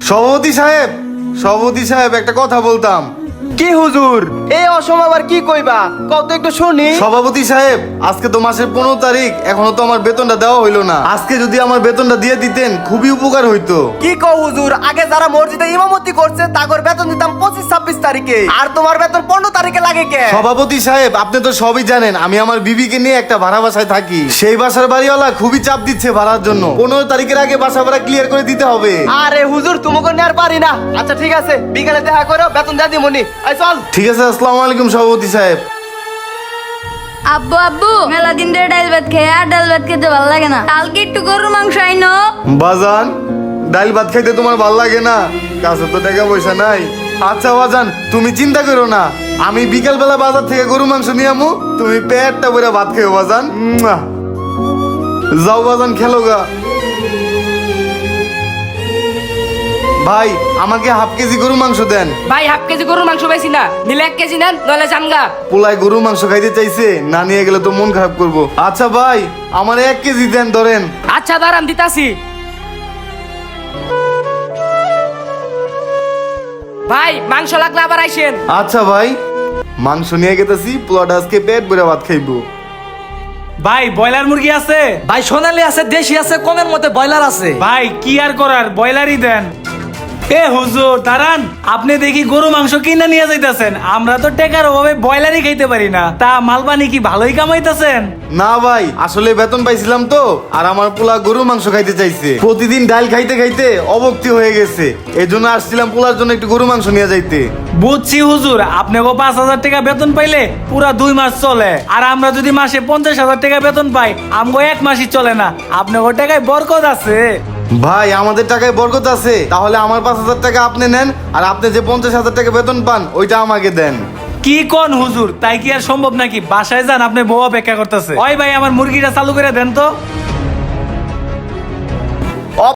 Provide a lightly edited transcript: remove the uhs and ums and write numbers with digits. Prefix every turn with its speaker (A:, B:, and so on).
A: সভাপতি সাহেব একটা কথা বলতাম।
B: কি হুজুর, এই অসময় আবার কি কইবা, কত একটু শুনি।
A: সভাপতি সাহেব, আজকে তো মাসের 15 তারিখ, এখনো তো আমার বেতনটা দেওয়া হইলো না। আজকে যদি আমার বেতনটা দিয়ে দিতেন খুবই উপকার হইতো।
B: কি কও হুজুর, আগে যারা মসজিদে ইমামতি করছে তাগর বেতন দিতাম 25-26 তারিখে, আর তোমার বেতন 15 তারিখে লাগে কে?
A: সভাপতি সাহেব, আপনি তো সবই জানেন আমি আমার বিবিকে নিয়ে একটা ভাড়া বাসায় থাকি। সেই বাসার বাড়িওয়ালা খুবই চাপ দিচ্ছে ভাড়ার জন্য। 15 তারিখের আগে বাসা ভাড়া ক্লিয়ার করে দিতে হবে।
B: আরে হুজুর, তোমাকে নিয়ে আর পারি না। আচ্ছা ঠিক আছে, বিকালে দেখা করো, বেতন দিয়ে দিমুনি। এই চল।
A: ঠিক আছে, আসসালামু আলাইকুম সভাপতি সাহেব।
C: আব্বু আব্বু, মেলা দিন ধরে ডাল ভাত খেয়ে আর ডাল ভাত খেতে ভালো লাগে না। কালকে একটু গরুর মাংস আইনো।
A: বাজান, ডাল ভাত খাইতে তোমার ভাল লাগে না? কাছে তো টাকা পয়সা নাই। আচ্ছা বাজান, তুমি চিন্তা করো না, আমি বিকেল বেলা বাজার থেকে গরু মাংস নিয়ে আমু, তুমি পেটটা ভরে ভাত খেও বাজান। যাও বাজান, খেলো গা। ভাই, আমাকে হাফ কেজি গরু মাংস দেন।
D: ভাই হাফ কেজি গরুর মাংস পাইছি না, নিলে 1 কেজি নেন, নইলে জামগা।
A: পোলায় গরু মাংস খাইতে চাইছে, না নিয়ে গেলে তো মন খারাপ করবো। আচ্ছা ভাই, আমার 1 কেজি দেন, ধরেন।
D: আচ্ছা দাঁড়ান, দিতাছি। ভাই মাংস লাগলে আবার আইসেন।
A: আচ্ছা ভাই, মাংস নিয়ে গেতেছি, পোলাটা আজকে পেট ভরে ভাত খাইবো।
E: ভাই ব্রয়লার মুরগি আছে?
F: ভাই সোনালি আছে, দেশি আছে, কমের মধ্যে ব্রয়লার আছে।
E: ভাই কি আর করার, ব্রয়লারই দেন। এ হুজুর দাঁড়ান, আপনি দেখি গরু মাংস কিনে নিয়ে যাইতেছেন, আমরা তো টেকার অভাবে ব্রয়লারই খাইতে পারি না। তা মালবানি কি ভালোই কামাইতেছেন?
A: না ভাই, আসলে বেতন পাইছিলাম তো, আর আমার পোলা গরু মাংস খাইতে চাইছে। প্রতিদিন ডাল খাইতে খাইতে অবক্তি হয়ে গেছে, এই জন্য আসছিলাম পোলার জন্য একটু গরু মাংস নিয়ে যাইতে।
E: বুঝছি হুজুর, আপনাকে 5,000 টাকা বেতন পাইলে পুরা 2 মাস চলে, আর আমরা যদি মাসে 50,000 টাকা বেতন পাই, আমগো 1 মাসই চলে না। আপনাকে টাকায় বরকত আছে।
A: ভাই, আমাদের টাকায় বরকত আছে, তাহলে আমার 5,000 টাকা আপনি নেন, আর আপনি যে 50,000 টাকা বেতন পান ওইটা আমাকে দেন।
E: কি কোন হুজুর, তাই কি আর সম্ভব নাকি? বাসায় যান, আপনি বউ অপেক্ষা করতেছে। ওই ভাই, আমার মুরগিটা চালু করে দেন তো।